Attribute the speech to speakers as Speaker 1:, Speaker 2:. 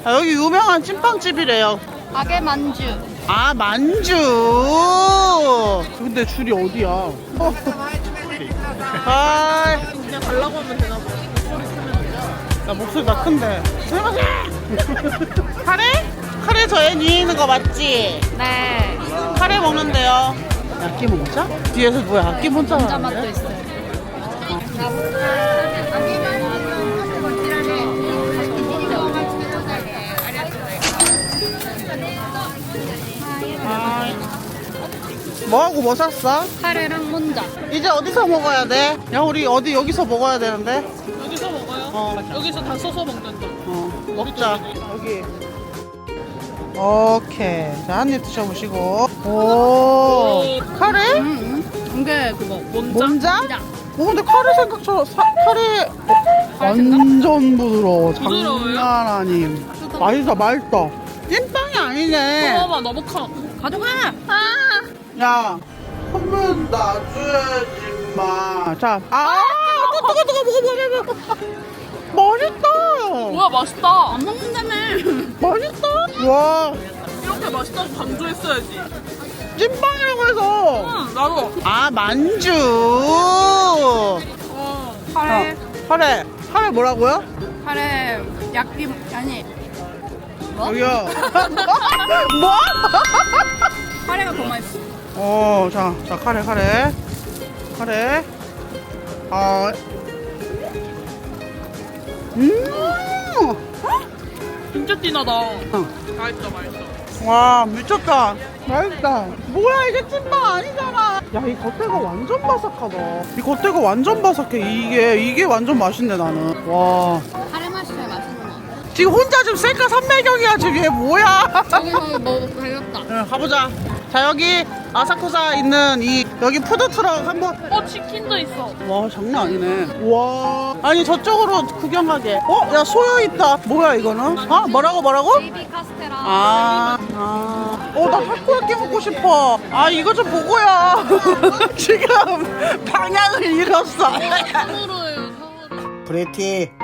Speaker 1: 아, 여기 유명한 찐빵집이래요.
Speaker 2: 가게 만주.
Speaker 1: 아, 만주. 근데 줄이 어디야? 아,
Speaker 3: 그냥 달라고 하면 되나 봐.
Speaker 1: 나 목소리 나 큰데. 카레? 카레 저에 위에 있는 거 맞지?
Speaker 2: 네.
Speaker 1: 카레 먹는데요. 야끼 모자? 뒤에서 뭐야? 야끼 모자?
Speaker 2: 감자 맛도 있어요.
Speaker 1: 뭐하고 뭐 샀어?
Speaker 2: 카레랑 혼자.
Speaker 1: 이제 어디서 먹어야 돼? 야, 우리 어디 여기서 먹어야 되는데?
Speaker 3: 여기서 먹어요?
Speaker 1: 어.
Speaker 3: 여기서 다 써서 먹는다.
Speaker 1: 먹자. 여기. 오케이. 자, 한 입 드셔보시고. 오. 카레?
Speaker 2: 이게 그거.
Speaker 1: 몸자? 근데 카레 생각처럼 카레 완전 부드러워.
Speaker 3: 부드러워요?
Speaker 1: 장난 아님. 맛있어, 맛있어. 찐빵이 아니네.
Speaker 3: 먹어봐, 너무 커.
Speaker 2: 가져가.
Speaker 1: 야, 선물 놔줘야지, 마. 자, 뜨거, 먹어. 맛있다.
Speaker 3: 뭐야, 맛있다.
Speaker 2: 안 먹는다며.
Speaker 1: 맛있다. 와,
Speaker 3: 이렇게 맛있다고 강조했어야지.
Speaker 1: 찐빵이라고 해서.
Speaker 3: 응, 나도.
Speaker 1: 아, 만주.
Speaker 2: 카레.
Speaker 1: 카레 뭐라고요?
Speaker 2: 카레 야끼 아니. 뭐?
Speaker 1: 여기요. 뭐?
Speaker 2: 카레가 더 맛있어.
Speaker 1: 자, 카레. 아,
Speaker 3: 진짜 진하다. 맛있어.
Speaker 1: 와, 미쳤다. 맛있다. 뭐야, 이게 찐빵 아니잖아. 야, 이 겉에가 완전 바삭하다. 이 겉에가 완전 바삭해. 이게 완전 맛있네, 나는. 와.
Speaker 2: 카레 맛이야 맛있는 거.
Speaker 1: 지금 혼자 지금 셀카 삼매경이야, 지금 얘 뭐야?
Speaker 2: 저기서 뭐 배웠다.
Speaker 1: 응, 가보자. 자, 여기 아사쿠사 있는 여기 푸드트럭 한번.
Speaker 3: 치킨도 있어.
Speaker 1: 와, 장난 아니네. 와. 아니, 저쪽으로 구경하게. 야, 소요 있다. 뭐야, 이거는? 아, 뭐라고?
Speaker 2: 베이비 카스테라.
Speaker 1: 나 타코야끼 먹고 싶어. 아, 이거 좀 보고요. 지금 방향을 잃었어.
Speaker 3: 상으로예요, 상으로.
Speaker 1: 브레티.